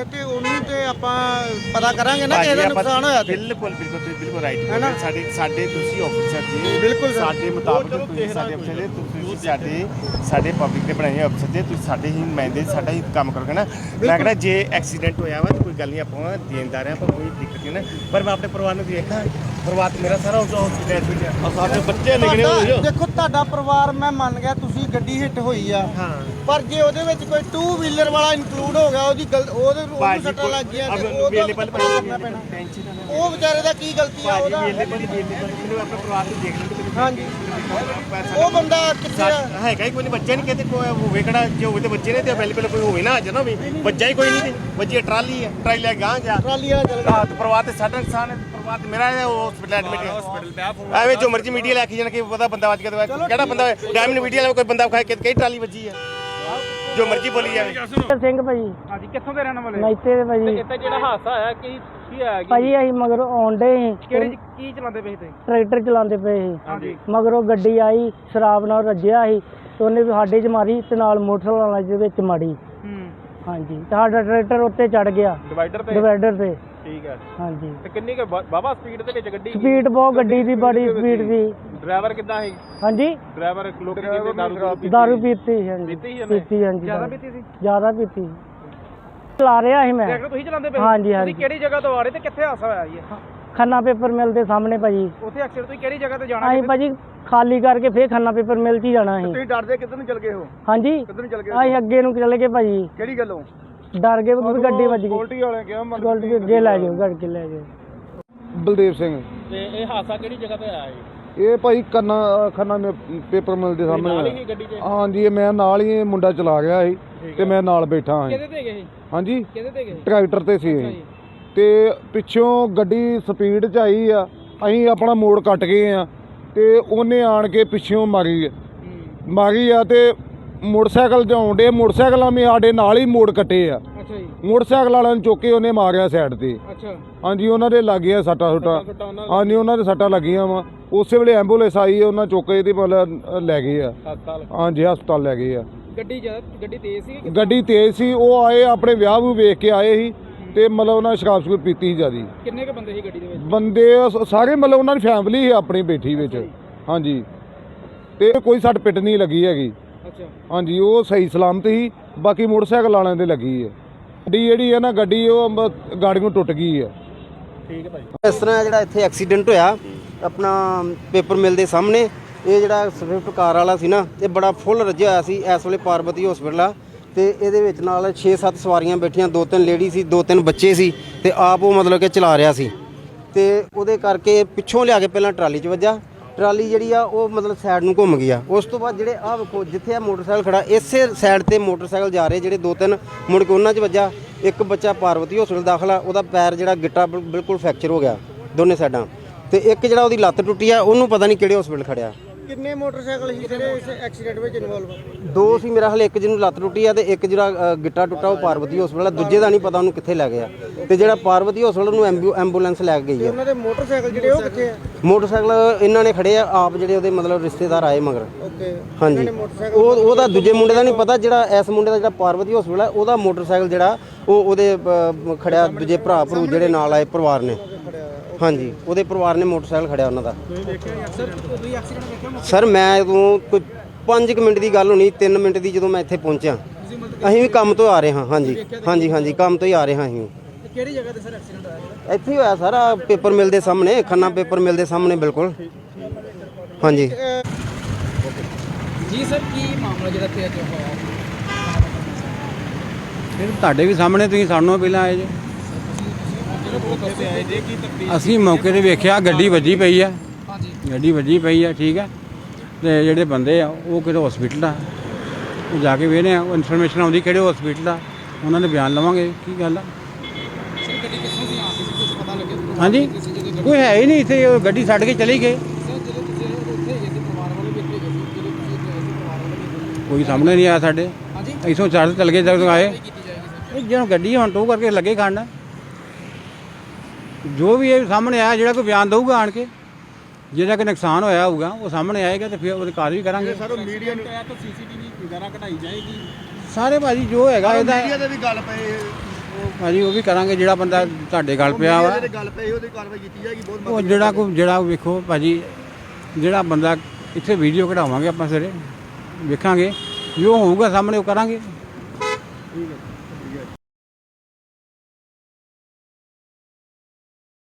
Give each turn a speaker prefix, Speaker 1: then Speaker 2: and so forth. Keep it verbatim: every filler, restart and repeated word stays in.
Speaker 1: ਹੈ ਤੇ ਉਹਨੂੰ ਤੇ ਆਪਾਂ ਪਤਾ ਕਰਾਂਗੇ ਨਾ ਕਿ ਇਹਦਾ ਨੁਕਸਾਨ ਹੋਇਆ ਤੇ
Speaker 2: ਬਿਲਕੁਲ ਬਿਲਕੁਲ ਤੁਸੀਂ ਬਿਲਕੁਲ ਰਾਈਟ ਹੈ ਨਾ। ਸਾਡੇ ਸਾਡੇ ਤੁਸੀਂ ਆਫੀਸਰ ਜੀ
Speaker 1: ਬਿਲਕੁਲ
Speaker 2: ਸਾਡੇ ਮੁਤਾਬਕ ਤੁਸੀਂ ਸਾਡੇ ਅਫਸਰ ਜੀ ਤੁਸੀਂ ਸਾਡੇ ਸਾਡੇ ਪਬਲਿਕ ਦੇ ਬਣਾਏ ਅਫਸਰ ਜੀ ਤੁਸੀਂ ਸਾਡੇ ਹੀ ਨੁਮਾਇੰਦੇ ਸਾਡਾ ਹੀ ਕੰਮ ਕਰੋਗੇ ਨਾ। ਮੈਂ ਕਹਿੰਦਾ ਜੇ ਐਕਸੀਡੈਂਟ ਹੋਇਆ ਵਾ ਤਾਂ ਕੋਈ ਗੱਲ ਨਹੀਂ ਆਪਾਂ ਦੇਣਦਾਰ ਹਾਂ ਆਪਾਂ ਕੋਈ ਦਿੱਕਤ ਨਹੀਂ ਨਾ। ਪਰ ਮੈਂ ਆਪਣੇ ਪਰਿਵਾਰ ਨੂੰ ਦੇਖਾਂ ਪਰਿਵਾਰ ਮੇਰਾ ਸਾਰਾ ਹਸਪੀਟਲ ਵਿੱਚ ਆ ਸਾਡੇ ਬੱਚੇ ਨਿਕਲੇ ਹੋਏ।
Speaker 1: ਦੇਖੋ ਤੁਹਾਡਾ ਪਰਿਵਾਰ ਮੈਂ ਮੰਨ ਗਿਆ ਤੁਸੀਂ ਗੱਡੀ ਹਿੱਟ ਹੋਈ ਆ
Speaker 2: ਹਾਂ
Speaker 1: ਪਰ ਜੇ ਉਹਦੇ ਵਿੱਚ ਕੋਈ ਟੂ ਵੀਲਰ ਵਾਲਾ ਇਨਕਲੂਡ ਹੋ ਗਿਆ ਉਹਦੀ ਗਲਤ ਉਹਦੇ ਉਹਨੂੰ ਸੱਟਾਂ ਲੱਗ ਗਈਆਂ ਤੇ ਉਹਦਾ ਕਰਨਾ ਪੈਣਾ। ਉਹ ਵਿਚਾਰੇ ਦਾ ਕੀ ਗਲਤੀ ਆ ਉਹਦਾ?
Speaker 2: ਮੈਨੂੰ ਆਪਣੇ ਪਰਿਵਾਰ ਨੂੰ ਦੇਖ ਲੈਣ।
Speaker 1: ਹਾਂਜੀ ਉਹ ਬੰਦਾ ਕਿੱਥੇ ਆ?
Speaker 2: ਹੈਗਾ ਹੀ ਕੋਈ ਨਹੀਂ ਬੱਚਾ ਨਹੀਂ ਕਹਿੰਦੇ ਕੋਈ ਹੋਵੇ ਕਿਹੜਾ ਜੇ ਹੋਵੇ ਤੇ ਬੱਚੇ ਨੇ ਤੇ ਅਵੇਲੇਬਲ ਕੋਈ ਹੋਵੇ ਨਾ ਅੱਜ ਨਾ ਵੀ ਬੱਚਾ ਹੀ ਕੋਈ ਨਹੀਂ ਤੇ ਬੱਚੇ ਟਰਾਲੀ ਹੈ ਟਰਾਲੀ ਲੈ ਗਾਂ ਜਾ
Speaker 1: ਟਰਾਲੀ ਵਾਲਾ ਚੱਲ ਗਿਆ।
Speaker 2: ਪਰਿਵਾਰ ਤੇ ਸਾਡਾ ਨੁਕਸਾਨ ਹੈ ਪਰਿਵਾਰ ਤੇ ਮੇਰਾ ਹੈ ਉਹ ਹਸਪੀਟਲ ਐਡਮਿਟ ਐਵੇਂ ਜੋ ਮਰਜ਼ੀ ਮੀਡੀਆ ਲੈ ਕੇ ਜਾਣ ਕਿ ਪਤਾ ਬੰਦਾ ਵੱਜ ਗਿਆ ਕਿਹੜਾ ਬੰਦਾ ਡਾਇਮੰਡ ਮੀਡੀਆ ਵਾਲਾ ਕੋਈ ਬੰਦਾ ਖਾਏ ਕਿ ਟਰਾਲੀ ਵੱਜੀ ਹੈ ਜੋ ਮਰਜ਼ੀ ਬੋਲੀ ਜਾਵੇ।
Speaker 3: ਸਿੰਘ ਭਾਜੀ
Speaker 4: ਹਾਂਜੀ ਕਿੱਥੋਂ ਦੇ ਰਹਿਣ ਵਾਲੇ?
Speaker 3: ਮੈਤੇ ਦੇ ਭਾਜੀ।
Speaker 4: ਇੱਥੇ ਜਿਹੜਾ ਹਾਦਸਾ ਹੋਇਆ ਕੀ ਕੀ ਹੋਇਆ?
Speaker 3: ਭਾਜੀ ਅਸੀਂ ਮਗਰੋਂ ਆਉਂਦੇ ਸੀ
Speaker 4: ਕਿਹੜੀ ਕੀ ਚਲਾਉਂਦੇ ਪਏ ਤੁਸੀਂ?
Speaker 3: ਟਰੈਕਟਰ ਚਲਾਉਂਦੇ ਪਏ ਸੀ
Speaker 4: ਹਾਂਜੀ
Speaker 3: ਮਗਰੋਂ ਗੱਡੀ ਆਈ ਸ਼ਰਾਬ ਨਾਲ ਰੱਜਿਆ ਸੀ ਤੇ ਉਹਨੇ ਵੀ ਸਾਡੇ 'ਚ ਮਾਰੀ ਤੇ ਨਾਲ ਮੋਟਰਸਾਈਕਲ ਵਾਲਾ ਦੇ ਵਿੱਚ ਮਾਰੀ।
Speaker 4: ਹੂੰ
Speaker 3: ਹਾਂਜੀ ਤੇ ਸਾਡਾ ਟਰੈਕਟਰ ਉੱਤੇ ਚੜ ਗਿਆ
Speaker 4: ਡਿਵਾਈਡਰ ਤੇ।
Speaker 3: ਡਿਵਾਈਡਰ ਤੇ।
Speaker 4: ਠੀਕ ਹੈ।
Speaker 3: ਹਾਂਜੀ
Speaker 4: ਤੇ ਕਿੰਨੀ ਕੁ ਬਾਬਾ ਸਪੀਡ ਦੇ ਵਿੱਚ ਗੱਡੀ?
Speaker 3: ਸਪੀਡ ਬਹੁਤ ਗੱਡੀ ਦੀ ਬੜੀ ਸਪੀਡ ਸੀ।
Speaker 4: ਡਰਾਈਵਰ ਕਿੱਦਾਂ ਸੀ?
Speaker 3: ਹਾਂਜੀ
Speaker 4: ਡਰਾਈਵਰ ਲੋਕੀ ਕਹਿੰਦੇ ਦਾਰੂ ਪੀਤੀ।
Speaker 3: ਦਾਰੂ ਪੀਤੀ ਸੀ। ਹਾਂਜੀ
Speaker 4: ਪੀਤੀ ਸੀ ਉਹਨੇ?
Speaker 3: ਪੀਤੀ ਹਾਂਜੀ
Speaker 4: ਜ਼ਿਆਦਾ ਪੀਤੀ ਸੀ?
Speaker 3: ਜ਼ਿਆਦਾ ਪੀਤੀ ਚਲਾ ਰਿਹਾ ਸੀ ਮੈਂ।
Speaker 4: ਟਰੈਕਟਰ ਤੁਸੀਂ ਚਲਾਉਂਦੇ ਪਏ?
Speaker 3: ਹਾਂਜੀ ਹਾਂਜੀ।
Speaker 4: ਤੁਸੀਂ ਕਿਹੜੀ ਜਗ੍ਹਾ ਤੋਂ ਆ ਰਹੇ ਤੇ ਕਿੱਥੇ ਹਾਦਸਾ ਹੋਇਆ ਜੀ?
Speaker 3: ਖੰਨਾ ਪੇਪਰ ਮਿਲ ਦੇ ਸਾਹਮਣੇ ਭਾਜੀ।
Speaker 4: ਉੱਥੇ ਐਕਸੀਡੈਂਟ ਤੁਸੀਂ ਕਿਹੜੀ ਜਗ੍ਹਾ ਤੇ ਜਾਣਾ?
Speaker 3: ਅਸੀਂ ਭਾਜੀ ਖਾਲੀ ਕਰਕੇ ਫੇਰ ਖੰਨਾ ਪੇਪਰ ਮਿਲ 'ਚ ਹੀ ਜਾਣਾ ਸੀ।
Speaker 1: ਤੁਸੀਂ ਡਰਦੇ ਕਿੱਧਰ ਨੂੰ ਚਲ ਗਏ ਹੋ?
Speaker 3: ਹਾਂਜੀ
Speaker 1: ਕਿੱਧਰ ਨੂੰ ਚਲ ਗਏ?
Speaker 3: ਅਸੀਂ ਅੱਗੇ ਨੂੰ ਚਲੇ ਗਏ ਭਾਜੀ।
Speaker 1: ਕਿਹੜੀ ਗੱਲੋਂ?
Speaker 3: ਡਰ ਗਏ ਵੀ ਗੱਡੀ ਵੱਜ ਗਈ।
Speaker 1: ਸਕਿਉਰਟੀ ਵਾਲਿਆਂ ਕਿਹਾ ਮਨ
Speaker 3: ਗੋਲਟੀ ਅੱਗੇ ਲੈ ਜਾਓ ਗੱਡ ਕੇ ਲੈ ਜਾਓ।
Speaker 5: ਬਲਦੇਵ ਸਿੰਘ।
Speaker 4: ਤੇ ਇਹ ਹਾਦਸਾ ਕਿਹੜੀ ਜਗ੍ਹਾ ਤੇ ਆਇਆ ਜੀ?
Speaker 5: ਇਹ ਭਾਈ ਕੰਨਾ ਖੰਨਾ ਮੇ ਪੇਪਰ ਮਿਲ ਦੇ
Speaker 4: ਨਾਲ
Speaker 5: ਸਾਹਮਣੇ।
Speaker 4: ਹੀ ਗੱਡੀ 'ਚ?
Speaker 5: ਹਾਂਜੀ ਇਹ ਮੈਂ ਨਾਲ ਹੀ ਇਹ ਮੁੰਡਾ ਚਲਾ ਗਿਆ ਸੀ ਤੇ ਮੈਂ ਨਾਲ ਬੈਠਾ ਹਾਂ।
Speaker 4: ਕਿਹਦੇ ਤੇ ਗਏ?
Speaker 5: ਹਾਂਜੀ
Speaker 4: ਕਿਹਦੇ ਤੇ ਗਏ?
Speaker 5: ਟਰੈਕਟਰ ਤੇ ਸੀ ਇਹ। ਤੇ ਪਿੱਛੋਂ ਗੱਡੀ ਸਪੀਡ 'ਚ ਆਈ ਆ ਅਸੀਂ ਆਪਣਾ ਮੋੜ ਕੱਟ ਗਏ ਆ ਤੇ ਉਹਨੇ ਆਣ ਕੇ ਪਿੱਛੋਂ ਮਾਰੀ ਮਾਰੀ ਆ ਤੇ ਮੋਟਰਸਾਈਕਲ ਜਾਉਣ ਡੇ ਮੋਟਰਸਾਈਕਲਾਂ ਵੀ ਸਾਡੇ ਨਾਲ ਹੀ ਮੋੜ ਕੱਟੇ ਆ।
Speaker 4: ਅੱਛਾ ਜੀ।
Speaker 5: ਮੋਟਰਸਾਈਕਲ ਵਾਲਿਆਂ ਨੂੰ ਚੁੱਕ ਕੇ ਉਹਨੇ ਮਾਰਿਆ ਸਾਈਡ ਤੇ।
Speaker 4: ਅੱਛਾ
Speaker 5: ਹਾਂਜੀ ਉਹਨਾਂ ਦੇ ਲੱਗ ਗਿਆ ਸੱਟਾਂ ਸੁੱਟਾਂ। ਹਾਂਜੀ ਉਹਨਾਂ ਦੇ ਸੱਟਾਂ ਲੱਗੀਆਂ ਵਾ। ਉਸੇ ਵੇਲੇ ਐਂਬੂਲੈਂਸ ਆਈ ਉਹਨਾਂ ਚੁੱਕ ਕੇ ਤੇ ਮਤਲਬ ਲੈ ਗਏ ਆ।
Speaker 4: ਹਸਪਤਾਲ?
Speaker 5: ਹਾਂਜੀ ਹਸਪਤਾਲ ਲੈ ਗਏ ਆ।
Speaker 4: ਗੱਡੀ ਜ਼ਿਆਦਾ ਗੱਡੀ ਤੇਜ਼ ਸੀ?
Speaker 5: ਗੱਡੀ ਤੇਜ਼ ਸੀ। ਉਹ ਆਏ ਆਪਣੇ ਵਿਆਹ ਨੂੰ ਵੇਖ ਕੇ ਆਏ ਸੀ ਤੇ ਮਤਲਬ ਉਹਨਾਂ ਸ਼ਰਾਬ ਸ਼ਰੂਬ ਪੀਤੀ ਸੀ ਜ਼ਿਆਦੀ।
Speaker 4: ਕਿੰਨੇ ਕੁ ਬੰਦੇ ਸੀ ਗੱਡੀ ਦੇ ਵਿੱਚ?
Speaker 5: ਬੰਦੇ ਸ- ਸਾਰੇ ਮਤਲਬ ਉਹਨਾਂ ਦੀ ਫੈਮਿਲੀ ਸੀ ਆਪਣੀ ਬੈਠੀ ਵਿੱਚ। ਹਾਂਜੀ ਤੇ ਕੋਈ ਸੱਟ ਪਿੱਟ ਨਹੀਂ ਲੱਗੀ ਹੈਗੀ।
Speaker 4: ਅੱਛਾ
Speaker 5: ਹਾਂਜੀ ਉਹ ਸਹੀ ਸਲਾਮਤ ਸੀ। ਬਾਕੀ ਮੋਟਰਸਾਈਕਲ ਵਾਲਿਆਂ ਦੇ ਲੱਗੀ ਹੈ। ਗੱਡੀ ਜਿਹੜੀ ਹੈ ਨਾ ਗੱਡੀ ਉਹ ਮ- ਗਾੜੀਆਂ ਟੁੱਟ ਗਈ ਹੈ।
Speaker 4: ਠੀਕ ਹੈ ਭਾਈ।
Speaker 1: ਇਸ ਤਰ੍ਹਾਂ ਜਿਹੜਾ ਇੱਥੇ ਐਕਸੀਡੈਂਟ ਹੋਇਆ ਆਪਣਾ ਪੇਪਰ ਮਿਲ ਦੇ ਸਾਹਮਣੇ ਇਹ ਜਿਹੜਾ ਸਵਿਫਟ ਕਾਰ ਵਾਲਾ ਸੀ ਨਾ ਇਹ ਬੜਾ ਫੁੱਲ ਰੱਜਿਆ ਹੋਇਆ ਸੀ। ਇਸ ਵੇਲੇ ਪਾਰਵਤੀ ਹਸਪੀਟਲ ਆ ਤੇ ਇਹਦੇ ਵਿੱਚ ਨਾਲ ਛੇ ਸੱਤ ਸਵਾਰੀਆਂ ਬੈਠੀਆਂ ਦੋ ਤਿੰਨ ਲੇਡੀ ਸੀ ਦੋ ਤਿੰਨ ਬੱਚੇ ਸੀ ਤੇ ਆਪ ਉਹ ਮਤਲਬ ਕਿ ਚਲਾ ਰਿਹਾ ਸੀ ਤੇ ਉਹਦੇ ਕਰਕੇ ਪਿੱਛੋਂ ਲਿਆ ਕੇ ਪਹਿਲਾਂ ਟਰਾਲੀ 'ਚ ਵੱਜਾ। ਟਰਾਲੀ ਜਿਹੜੀ ਆ ਉਹ ਮਤਲਬ ਸਾਈਡ ਨੂੰ ਘੁੰਮ ਗਈ ਆ। ਉਸ ਤੋਂ ਬਾਅਦ ਜਿਹੜੇ ਆਹ ਵੇਖੋ ਜਿੱਥੇ ਆ ਮੋਟਰਸਾਈਕਲ ਖੜਾ ਇਸੇ ਸਾਈਡ ਤੇ ਮੋਟਰਸਾਈਕਲ ਜਾ ਰਹੇ ਜਿਹੜੇ ਦੋ ਤਿੰਨ ਮੁੜ ਕੇ ਉਹਨਾਂ 'ਚ ਵੱਜਾ। ਇੱਕ ਬੱਚਾ ਪਾਰਵਤੀ ਹਸਪੀਟਲ ਦਾਖਲ ਆ ਉਹਦਾ ਪੈਰ ਜਿਹੜਾ ਗਿੱਟਾ ਬਿਲ- ਬਿਲਕੁਲ ਫ੍ਰੈਕਚਰ ਹੋ ਗਿਆ ਦੋਨੇ ਸਾਈਡਾਂ ਤੇ ਇੱਕ ਜਿਹੜਾ ਉਹਦੀ ਲੱਤ ਟੁੱਟੀ ਆ ਉਹਨੂੰ ਪਤਾ ਨਹੀਂ ਕਿਹੜੇ ਹਸਪੀਟਲ ਖੜਿਆ। ਕਿੰਨੇ ਮੋਟਰਸਾਈਕਲ ਸੀ ਜਿਹੜੇ ਇਸ ਐਕਸੀਡੈਂਟ ਵਿੱਚ ਇਨਵੋਲਵ? ਦੋ ਸੀ ਮੇਰਾ ਹਾਲੇ ਇੱਕ ਜਿਹਨੂੰ ਲੱਤ ਟੁੱਟੀ ਆ ਤੇ ਇੱਕ ਜਿਹੜਾ ਅ, ਗਿੱਟਾ ਟੁੱਟਾ ਉਹ ਪਾਰਵਤੀ ਹਸਪੀਟਲ ਆ। ਦੂਜੇ ਦਾ ਨਹੀਂ ਪਤਾ ਉਹਨੂੰ ਕਿੱਥੇ ਲੈ ਗਿਆ ਤੇ ਜਿਹੜਾ ਪਾਰਵਤੀ ਹਸਪੀਟਲ ਨੂੰ ਐਂਬੂ ਐਂਬੂਲੈਂਸ ਲੈ ਕੇ ਗਈ ਆ। ਉਹਨਾਂ ਦੇ ਮੋਟਰਸਾਈਕਲ ਜਿਹੜੇ ਉਹ ਕਿੱਥੇ ਆ? ਮੋਟਰਸਾਈਕਲ ਇਹਨਾਂ ਨੇ ਖੜੇ ਆ ਆਪ ਜਿਹੜੇ ਉਹਦੇ ਮਤਲਬ ਰਿਸ਼ਤੇਦਾਰ ਆਏ ਮਗਰ। ਓਕੇ ਹਾਂਜੀ ਉਹ ਉਹਦਾ ਦੂਜੇ ਮੁੰਡੇ ਦਾ ਨਹੀਂ ਪਤਾ ਜਿਹੜਾ ਇਸ ਮੁੰਡੇ ਦਾ ਜਿਹੜਾ ਪਾਰਵਤੀ ਹਸਪੀਟਲ ਆ ਉਹਦਾ ਮੋਟਰਸਾਈਕਲ ਜਿਹੜਾ ਉਹ ਉਹਦੇ ਅ, ਖੜਿਆ ਦੂਜੇ ਭਰਾ ਭਰੂ ਜਿਹੜੇ ਨਾਲ ਆਏ ਪਰਿਵਾਰ ਨੇ। ਹਾਂਜੀ ਉਹਦੇ ਪਰਿਵਾਰ ਨੇ ਮੋਟਰਸਾਈਕਲ ਖੜਿਆ ਉਹਨਾਂ ਦਾ। ਸਰ ਮੈਂ ਤੋਂ ਕੋਈ ਪੰਜ ਕੁ ਮਿੰਟ ਦੀ ਗੱਲ ਹੋਣੀ ਤਿੰਨ ਮਿੰਟ ਦੀ ਜਦੋਂ ਮੈਂ ਇੱਥੇ ਪਹੁੰਚਿਆ। ਅਸੀਂ ਵੀ ਕੰਮ ਤੋਂ ਆ ਰਹੇ ਹਾਂ। ਹਾਂਜੀ ਹਾਂਜੀ ਹਾਂਜੀ ਕੰਮ ਤੋਂ ਹੀ ਆ ਰਹੇ ਹਾਂ ਅਸੀਂ।
Speaker 4: ਕਿਹੜੀ ਜਗ੍ਹਾ ਤੇ ਸਰ ਐਕਸੀਡੈਂਟ ਹੋਇਆ?
Speaker 1: ਇੱਥੇ ਹੀ ਹੋਇਆ ਸਾਰਾ ਪੇਪਰ ਮਿਲ ਦੇ ਸਾਹਮਣੇ ਖੰਨਾ ਪੇਪਰ ਮਿਲ ਦੇ ਸਾਹਮਣੇ ਬਿਲਕੁਲ। ਹਾਂਜੀ
Speaker 4: ਜੀ ਸਰ ਕੀ ਮਾਮਲਾ ਜਿਹੜਾ ਇੱਥੇ ਅੱਜ ਹੋਇਆ?
Speaker 6: ਫਿਰ ਤੁਹਾਡੇ ਵੀ ਸਾਹਮਣੇ ਤੁਸੀਂ ਸਾਨੂੰ ਪਹਿਲਾਂ ਆਏ ਜੇ। ਅਸੀਂ ਮੌਕੇ ਤੇ ਵੇਖਿਆ ਗੱਡੀ ਵੱਜੀ ਪਈ ਆ। ਗੱਡੀ ਵੱਜੀ ਪਈ ਆ ਠੀਕ ਆ ਤੇ ਜਿਹੜੇ ਬੰਦੇ ਆ ਉਹ ਕਿਹੜੇ ਹਸਪੀਟਲ ਆ ਉਹ ਜਾ ਕੇ ਵੇਖਦੇ ਆ। ਉਹ ਇਨਫੋਰਮੇਸ਼ਨ ਆਉਂਦੀ ਕਿਹੜੇ ਹਸਪੀਟਲ ਆ ਉਹਨਾਂ ਦੇ ਬਿਆਨ ਲਵਾਂਗੇ ਕੀ ਗੱਲ ਆ। ਹਾਂਜੀ ਕੋਈ ਹੈ ਹੀ ਨਹੀਂ ਇੱਥੇ ਉਹ ਗੱਡੀ ਛੱਡ ਕੇ ਚਲੀ ਗਏ। ਕੋਈ ਸਾਹਮਣੇ ਨਹੀਂ ਆਇਆ ਸਾਡੇ। ਇੱਥੋਂ ਚੜ੍ਹ ਚਲ ਗਏ ਜਦੋਂ ਆਏ ਇਹ ਜਦੋਂ ਗੱਡੀ ਹੁਣ ਟੋ ਕਰਕੇ ਲੱਗੇ ਖੜਨ ਜੋ ਵੀ ਇਹ ਸਾਹਮਣੇ ਆਇਆ ਜਿਹੜਾ ਕੋਈ ਬਿਆਨ ਦਊਗਾ ਆਣ ਕੇ ਜਿਹੜਾ ਕਿ ਨੁਕਸਾਨ ਹੋਇਆ ਹੋਊਗਾ ਉਹ ਸਾਹਮਣੇ ਆਏਗਾ ਤੇ ਫਿਰ ਉਹਦੀ ਕਾਰਵਾਈ ਕਰਾਂਗੇ।
Speaker 1: ਸਰ ਮੀਡੀਆ ਨੂੰ
Speaker 4: ਸੀਸੀਟੀਵੀ ਵਗੈਰਾ ਕਢਾਈ ਜਾਏਗੀ?
Speaker 6: ਸਾਰੇ ਭਾਜੀ ਜੋ ਹੈਗਾ ਇਹਦਾ
Speaker 1: ਮੀਡੀਆ ਦੇ ਵੀ ਗੱਲ ਪਏ
Speaker 6: ਉਹ ਭਾਜੀ ਉਹ ਵੀ ਕਰਾਂਗੇ ਜਿਹੜਾ ਬੰਦਾ ਤੁਹਾਡੇ ਗੱਲ ਪਿਆ ਵਾ
Speaker 7: ਗੱਲ ਪਈ ਉਹਦੀ ਕਾਰਵਾਈ ਕੀਤੀ ਜਾਏਗੀ ਬਹੁਤ
Speaker 6: ਉਹ ਜਿਹੜਾ ਕੋ ਜਿਹੜਾ ਵੇਖੋ ਭਾਜੀ ਜਿਹੜਾ ਬੰਦਾ ਇੱਥੇ ਵੀਡੀਓ ਕਢਾਵਾਂਗੇ ਆਪਾਂ ਸਵੇਰੇ ਵੇਖਾਂਗੇ ਜੋ ਹੋਊਗਾ ਸਾਹਮਣੇ ਉਹ ਕਰਾਂਗੇ।